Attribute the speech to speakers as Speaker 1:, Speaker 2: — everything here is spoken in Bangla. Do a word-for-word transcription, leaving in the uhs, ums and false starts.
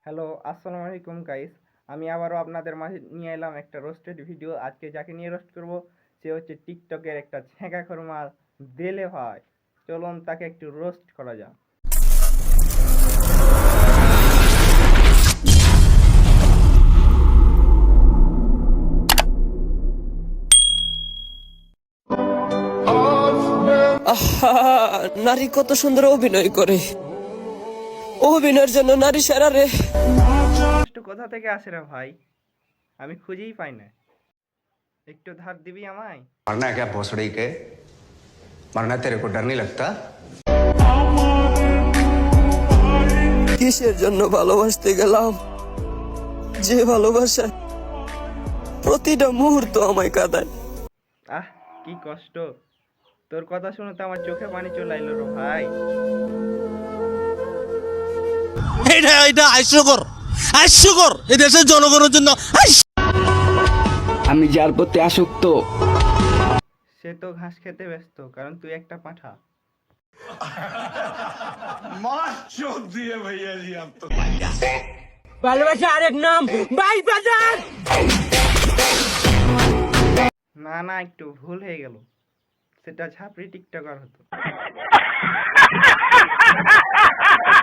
Speaker 1: হ্যালো, আসসালামু আলাইকুম গাইস। আমি আবারও আপনাদের মাঝে নিয়ে এলাম একটা রোস্টেড ভিডিও। আজকে যাকে নিয়ে রোস্ট করব সে হচ্ছে টিকটকের একটা ছ্যাঁকা খরমা দেলে ভাই। চলুন তাকে একটু রোস্ট করা যাক।
Speaker 2: আহা, নারী কত সুন্দর অভিনয় করে। অভিনয়ের জন্য নারী সেরা রে।
Speaker 1: একটু কোথা থেকে আসে রে ভাই? আমি খুঁজেই পাই না। একটু ধার দিবি আমায়?
Speaker 3: मरना है क्या भोसड़ी के? मरना तेरे को डर नहीं लगता?
Speaker 2: কিসের জন্য ভালোবাসতে গেলাম, যে ভালোবাসা প্রতিটা মুহূর্ত আমায় কাঁদায়।
Speaker 1: আহ, কি কষ্ট। তোর কথা শুনে তো আমার চোখে পানি চলে এলো রে ভাই।
Speaker 4: এটা এটা হাস্যকর হাস্যকর এই দেশের জনগণের জন্য
Speaker 5: আমি যার প্রতি আসক্ত
Speaker 1: সে তো ঘাস খেতে ব্যস্ত, কারণ তুই একটা পাঁঠা।
Speaker 2: ভালোবাসা আরেক নাম ভাই বাজার।
Speaker 1: না না, একটু ভুল হয়ে গেল। সেটা ঝাপড়ি টিকটকার হতো।